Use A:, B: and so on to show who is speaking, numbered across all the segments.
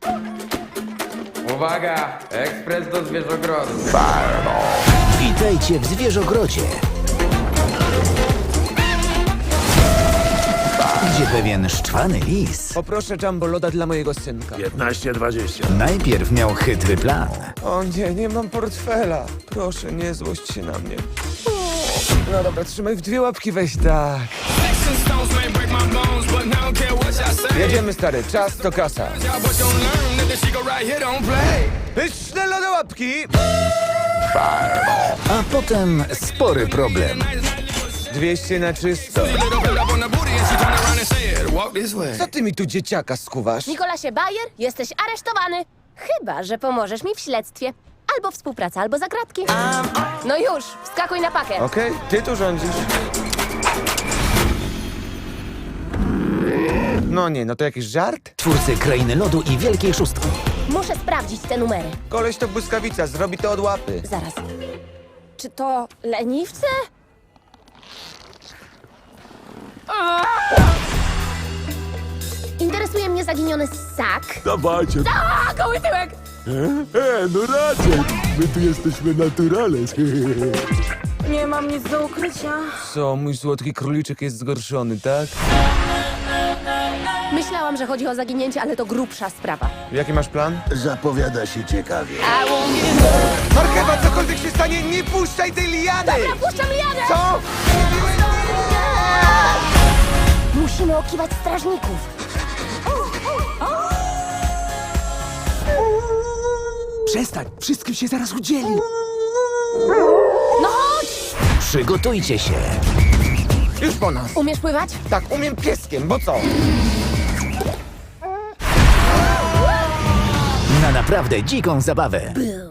A: Uwaga! Ekspres do zwierzogrodu.
B: Witajcie w zwierzogrodzie, gdzie pewien szczwany lis
C: Poproszę jumbo loda dla mojego synka.
D: 15-20.
B: najpierw miał chytry plan.
C: O nie, nie mam portfela. Proszę, nie złość się na mnie. No dobra, trzymaj w dwie łapki, weź tak. Jedziemy, stary, czas to kasa. Pyszne lodołapki!
B: A potem spory problem.
C: 200 na czysto. Co ty mi tu dzieciaka skuwasz?
E: Nikolasie Bayer, jesteś aresztowany. Chyba że pomożesz mi w śledztwie. Albo współpraca, albo zagrabki. No już, wskakuj na pakę.
C: Okej, ty tu rządzisz. No nie, no to jakiś żart?
B: Twórcy Krainy Lodu i Wielkiej Szóstki.
E: Muszę sprawdzić te numery.
C: Koleś to błyskawica, zrobi to od łapy.
E: Zaraz. Czy to leniwce? Interesuje mnie zaginiony ssak.
D: Dawajcie.
E: A, goły tyłek!
D: No raczej. My tu jesteśmy naturales.
F: Nie mam nic do ukrycia.
C: Co, mój słodki króliczek jest zgorszony, tak?
E: Myślałam, że chodzi o zaginięcie, ale to grubsza sprawa.
C: Jaki masz plan?
D: Zapowiada się ciekawie.
C: Marchewa, cokolwiek się stanie, nie puszczaj tej liany!
E: Dobra, puszczam lianę!
C: Co?
E: Musimy okiwać strażników.
C: Przestań, wszystkim się zaraz udzieli.
E: No chodź!
B: Przygotujcie się
C: Już po nas.
E: Umiesz pływać?
C: Tak, umiem pieskiem, bo co?
B: na naprawdę dziką zabawę.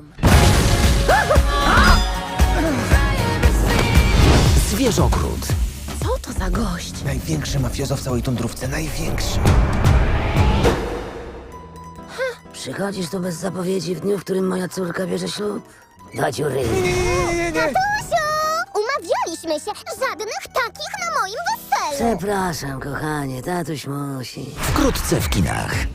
B: Zwierzogród.
E: Co to za gość?
C: Największy mafiozo w całej tundrówce, największy.
F: Przychodzisz tu bez zapowiedzi w dniu, w którym moja córka bierze ślub? Do dziury.
C: Nie.
G: Tatusiu! Umawialiśmy się, żadnych takich na moim weselu.
F: Przepraszam, kochanie, tatuś musi.
B: Wkrótce w kinach.